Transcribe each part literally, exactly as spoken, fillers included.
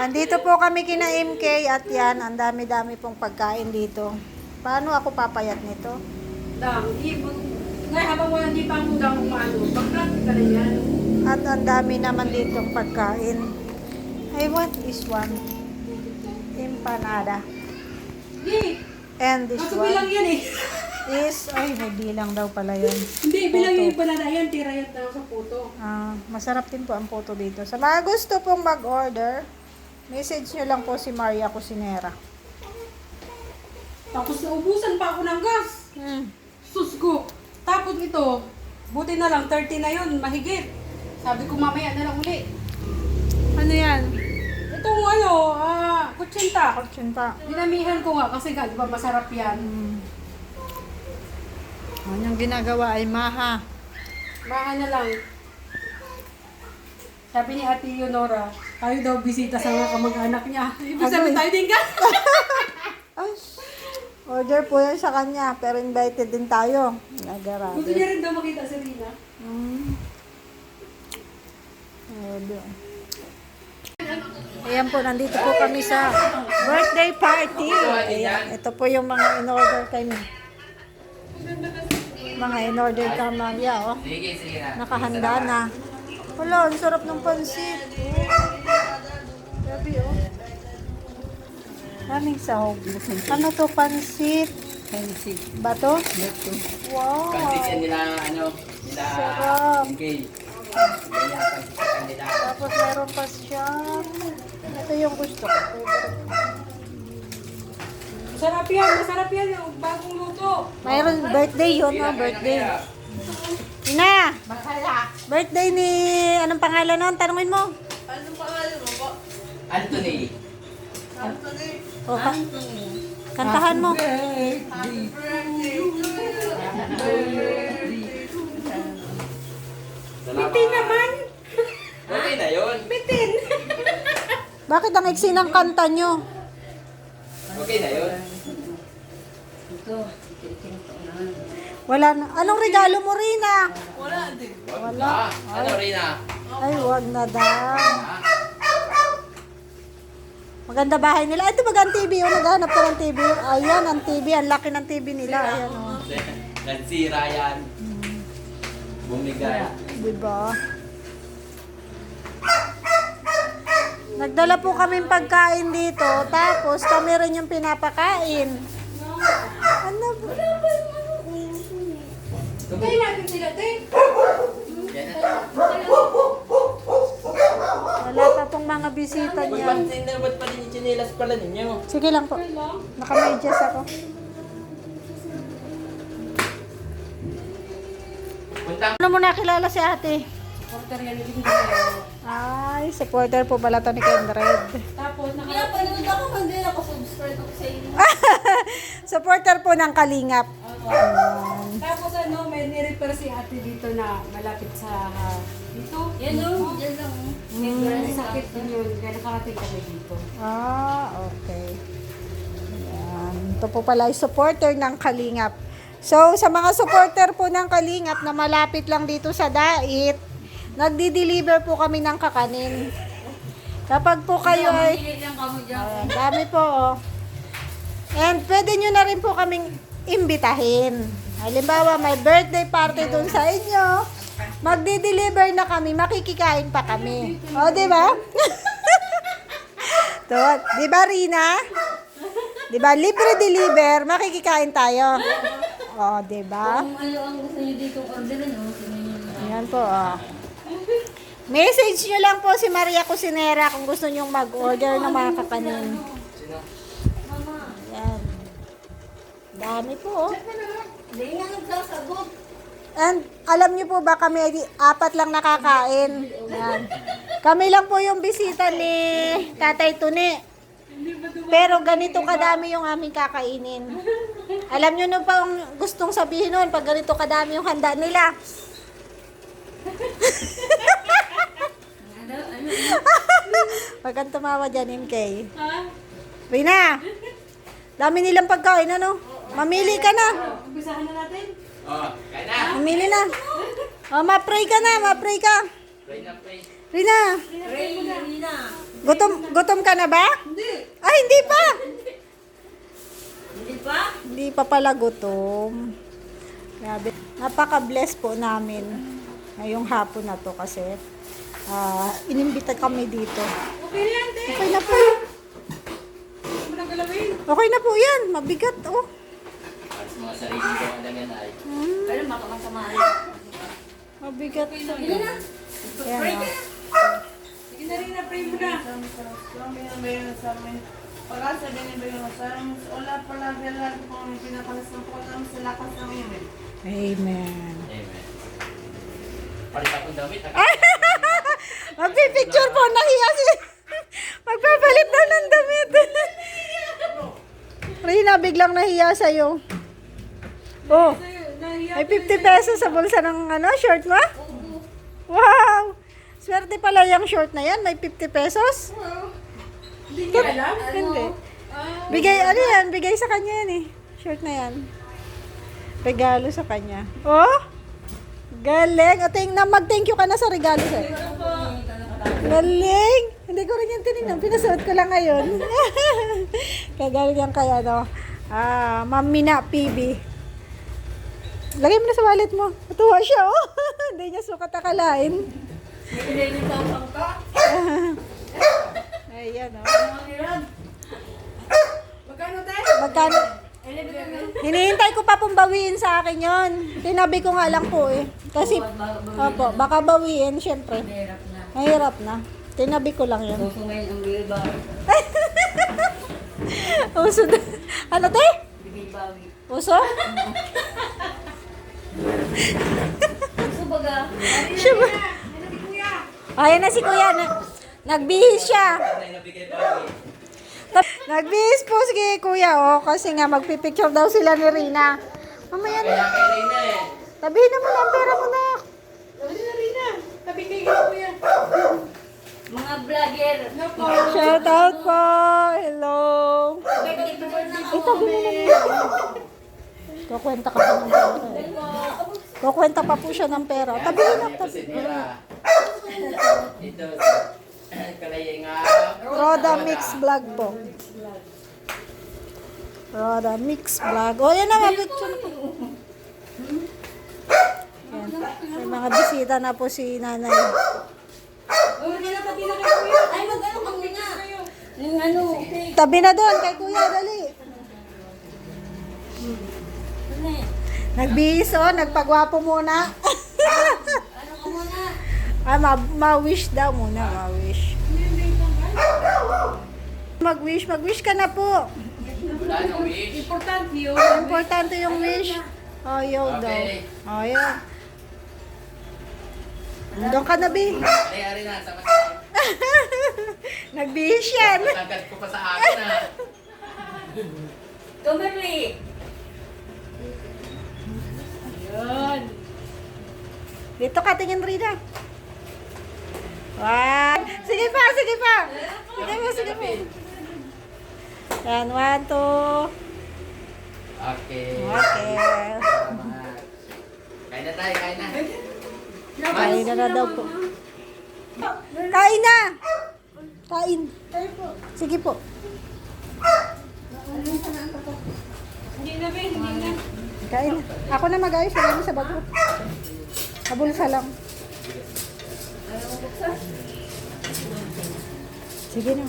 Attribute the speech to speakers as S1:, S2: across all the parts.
S1: Andito po kami kina M K at yan, ang dami-dami pong pagkain dito. Paano ako papayat nito?
S2: Dang, ibon. Ngayon habang wala hindi pa ang dang umano, bakit ka na yan?
S1: At ang dami naman ditong pagkain. I want this one. Empanada.
S2: Hindi,
S1: And this
S2: masubilang
S1: one
S2: yan eh.
S1: is, ay may bilang daw pala yun.
S2: Hindi, bilang
S1: Puto.
S2: yung banana yan, tira yan daw sa puto.
S1: Ah, masarap din po ang puto dito. Sa mga gusto pong mag-order, message nyo lang po si Maria Cusinera.
S2: Tapos naubusan pa ako ng gas.
S1: Hmm.
S2: Sus ko. Tapos ito, buti na lang, thirty na yun, mahigit. Sabi ko mamaya na lang uli.
S1: Ano yan?
S2: Itong ano, ah, kutsinta.
S1: Kutsinta.
S2: Dinamihan ko nga kasi nga, di ba masarap yan.
S1: Hmm. Ano yung ginagawa ay maha.
S2: Baka na lang. Sabi ni Ate Leonora, tayo daw bisita sa mga kamag-anak niya. Ibig sabihin tayo din ka.
S1: Ay, order po yan sa kanya, pero invited din tayo.
S2: Gusto
S1: Nagarabi.
S2: niya rin daw makita si Rina.
S1: Hmm. Order. Ayan po, nandito po kami sa birthday party. Ayan, ito po yung mga in-order kay me. Mga in-order ka, Maria, oh. Nakahanda na. Wala, ang sarap ng pansit. Grabe, oh. Daming sahog. Ano to, pansit?
S2: Fancy.
S1: Ba to?
S2: Ito.
S1: Wow.
S3: Pantikin nila, ano, nila
S1: Sarap.
S3: M K. Ganyan ang pantikin nila.
S1: Tapos meron pa siya. Ito yung gusto ko.
S2: Masarap yan, masarap yan. Yung bagong luto.
S1: Mayroon birthday yun, no? Birthday. Ina!
S2: Bakala.
S1: Birthday ni... Anong pangalan nun? Tanungin mo.
S3: Anthony.
S1: O, ka- kantahan mo.
S2: Bitin naman.
S3: Okay na yun.
S2: Bitin.
S1: Bakit ang iksi ng kanta nyo?
S3: Okay na yun.
S1: Wala na. Anong regalo mo, Rina?
S3: Wala. Ano, Rina?
S1: Ay, wag na daw. Maganda bahay nila. Ay, ito baga ang T V. Oh, naghahanap ka ng T V. Ayan, ang T V. Ang laki ng T V nila. Ayan, oh.
S3: Nagsira yan. Bumigay.
S1: Diba? Nagdala po kaming pagkain dito. Tapos, kami rin yung pinapakain. Ano ba?
S2: Tayo natin sila, te.
S3: Yan na.
S1: Wala pa pong mga bisita niya.
S3: Magpansin na, ba't pa rin yung chinelas pala ninyo?
S1: Sige lang po. Nakamedyas ako.
S3: Puntang.
S1: Ano mo nakilala si ate?
S2: Porter yan, hindi ko na.
S1: Ay, supporter po pala to ni Kendred.
S2: Tapos, naka...
S4: Pinapanood ako, hindi ako subscribe ako sa inyo.
S1: Supporter po ng Kalingap.
S2: Tapos ano, may nirepair si ate dito na malapit sa ah, dito.
S4: Yan o, dyan lang.
S2: May sakit din yun, kaya nakarating kami dito.
S1: Ah, okay. Ayan. Ito po pala ay supporter ng Kalingap. So, sa mga supporter po ng Kalingap na malapit lang dito sa Dait, nagdi-deliver po kami ng kakanin. Kapag po kayo ay...
S4: Hindi lang kamo dyan.
S1: Ayan, dami po, oh. And pwede nyo na rin po kaming imbitahin. Halimbawa, may birthday party dun sa inyo. Magdi-deliver na kami, makikikain pa kami. O, di ba? To, di ba, Rina? Di ba, libre deliver, makikikain tayo. O, di ba?
S4: Kung ano ang gusto nyo dito orderin, o, tingnan nyo na.
S1: Ayan po, oh. Message nyo lang po si Maria Cusinera kung gusto nyong mag-order ng mga kakanin. Ayan. Dami po, oh.
S4: Hindi nga nagsasagot.
S1: And alam niyo po ba kami ay apat lang nakakain. Ayan. Kami lang po yung bisita ni Tatay Tuni. Pero ganito kadami yung aming kakainin. Alam niyo no pa ang gustong sabihin noon pag ganito kadami yung handa nila.
S4: Ano, ano,
S1: Pag kang tumawa dyan, M K.
S2: Ha?
S1: Rina, dami nilang pagkain, ano? Mamili ka na.
S2: Umpisahan na natin.
S3: Oh, kaya na.
S1: Mamili na. Oh, ma-pray ka na, ma-pray ka.
S3: Pray na, pray.
S1: Rina,
S4: Ray, Rina.
S1: Gutom, gutom ka na ba?
S2: Hindi.
S1: Ay, hindi pa.
S4: Hindi pa?
S1: Hindi pa pala gutom. Grabe. Napaka-bless po namin ngayong hapon na to kasi ah inimbita kami dito.
S2: Okay na yan, te.
S1: Okay na po.
S2: Huwag mo nang galawin.
S1: Okay na po yan. Mabigat, oh.
S3: Para sa mga sarili ko, alam yan ay.
S4: Pero baka masama rin.
S1: Mabigat.
S4: Hindi na.
S1: Yan, oh.
S2: Sige na rin, na-pray mo na.
S5: Pag-asa binibigyan mo sa amin, wala pala bilang kung ang pinakalas ng po namin sa lakas ng imin.
S1: Amen.
S3: Amen. Palit akong damit.
S1: Magpipicture po. Nahiya si... Magpapalit daw ng damit. Rina, biglang nahiya sa'yo. Oh,
S2: Nahiya
S1: may fifty pesos sa bulsa ng ano, short mo? Wow! Swerte pala yung short na yan. May fifty pesos?
S2: Hindi niya alam.
S1: Hindi. Bigay, ano yan? Bigay sa kanya yan eh. Short na yan. Regalo sa kanya. Oh! Galing. O, tingnan, mag-thank you ka na sa regalo sa'yo. Galing! Hindi ko rin yung tinignan. Pinasuot ko lang ngayon. Kagaling yan kaya, no? Ah, Ma'am Mina P B. Lagay mo na sa wallet mo. Matuwa siya, oh. Hindi niya sukat akalain.
S4: Nililitapang ka.
S1: Ayan, oh.
S4: Ang hirap.
S2: Magkano, te?
S1: Magkano? Hinihintay ko pa pong bawiin sa akin yon. Tinabi ko nga lang po eh. Kasi, opo, baka bawiin, syempre.
S4: Hirap na.
S1: Mahirap na. Tinabi ko lang yun.
S4: Gusto ngayon ang wheelbar.
S1: Uso na. Ano, te?
S4: Bibibawi.
S1: Uso?
S4: Gusto baga.
S1: Siya ba? Ayan na si kuya. Na, nagbihis siya. Nagbihis po si kuya, oh. Kasi nga, magpipicture daw sila ni Rina. Mamaya na.
S3: Kaya kay Reyna eh.
S1: Tabihin na mo na ang pera mo na.
S2: Dali na rin na. Tabi kay kuya.
S4: Mga vlogger.
S1: Shout out po. Hello.
S4: Picture na
S1: Ito, binili na. Kukwenta ka pa ng pera. eh. Kukwenta pa po siya ng pera. Tabihin na.
S3: Ito si Mira. Ito. Kalay nga.
S1: Roda Mix Vlog po. Roda Mix Vlog. O, yan na, mapicture na po. Yan. May mga bisita na po si nanay.
S2: Oh, hindi na pati na kay kuya.
S4: Ay, mag-ano kang nga. Yung ano.
S1: Tabi na doon kay kuya, dali.
S4: Ano eh?
S1: Nagbihis, oh. Nagpagwapo muna.
S4: Ano ka muna?
S1: ah, ma- ma-wish daw muna, ma-wish. Mag-wish, mag-wish ka na po.
S3: Wala nang wish.
S2: Importante yun.
S1: Importante yung wish. Ayaw daw.
S3: Okay.
S1: Ayaw. Doon ka na, Bi.
S3: Ay, ari na. Sama-sama.
S1: Nagbihis yan.
S3: Matagad ko pa sa akin ah.
S4: Tumiri.
S2: Yun.
S1: Dito ka, tingin Rina. Wow. Sige pa, sige pa. Sige mo, sige mo. Yan, one, two.
S3: Okay.
S1: Okay.
S3: Salamat. Kain na tayo, kain na.
S1: Kain na na daw po. Kain na. Kain. Sige po.
S2: Hindi na, be. Hindi na.
S1: Kain na. Ako na mag-ayos. Wala mo sa bago. Kabulsa lang. Sige na.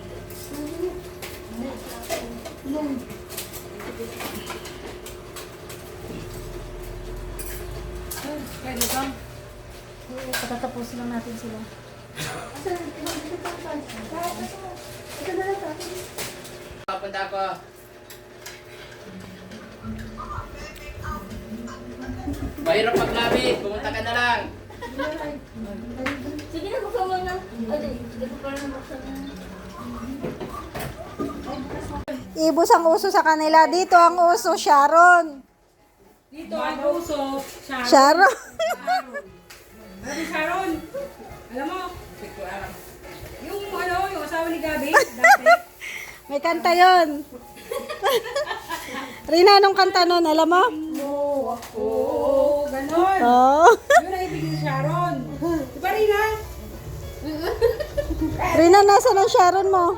S2: Pwede ba?
S1: Patatapusin lang natin sila.
S3: Papunta ako. Mahirap maglabit. Pumunta ka na lang.
S4: Sige na, buksan mo na. Ay, sige ko pa rin buksan na.
S1: Ibus ang uso sa kanila. Dito ang uso, Sharon.
S2: Dito ang puso. Sharon.
S1: Sharon.
S2: Gabi Sharon. Alam mo, yung ano, yung asawa ni Gabi, dati.
S1: May kanta yon. Rina, anong kanta nun? Alam mo?
S2: Oo, ganon.
S1: Oo.
S2: Yun ang ibig ni Sharon. Di ba, Rina?
S1: Rina, nasa ng Sharon mo?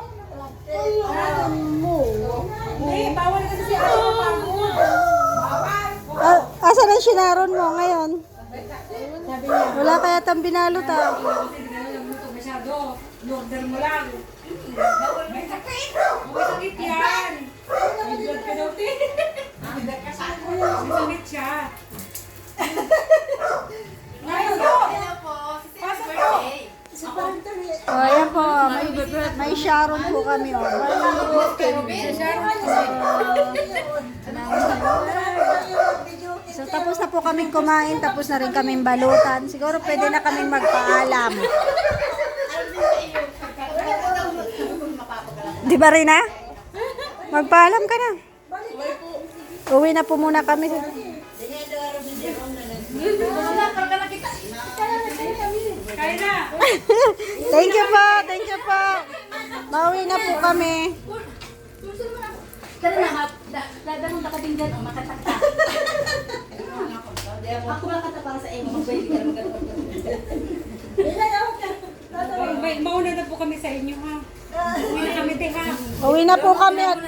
S2: Hindi, bawal kasi si Ate mapagod. Bawal.
S1: Ah, asa ng Sharon mo ngayon? Wala kaya tang binalot ah.
S2: Kasi hindi ka na nagluto masyado. Order mo lang. May sakit. May sakit yan. May blood ka daw, te. May sakit siya. Ngayon po. Pasok po.
S1: O, ayan po. May, may Sharon po kami. Oh. So, tapos na po kaming kumain. Tapos na rin kaming balutan. Siguro pwede na kaming magpaalam. Di ba rin na? Magpaalam ka na. Uwi na po muna kami.
S2: Kaya na.
S1: Thank you po. Thank you po. Mauwi na po kami.
S4: Tara na, ma- da- dadalong ka din dyan, oh, makatakta. Ako makata para sa iyo, mag-pwede ka na mag-
S2: May, mauna na po kami sa inyo, ha? Uwi na kami, te, ha?
S1: Uwi na po kami at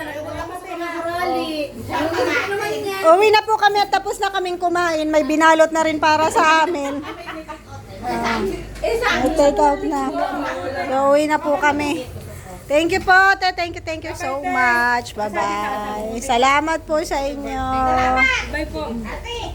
S1: Uwi na po kami at tapos na kaming kumain. May binalot na rin para sa amin. Ah, may take out na. So, uwi na po kami. Thank you po, te. Thank you, thank you so much. Bye-bye. Salamat po sa inyo.
S2: Bye po.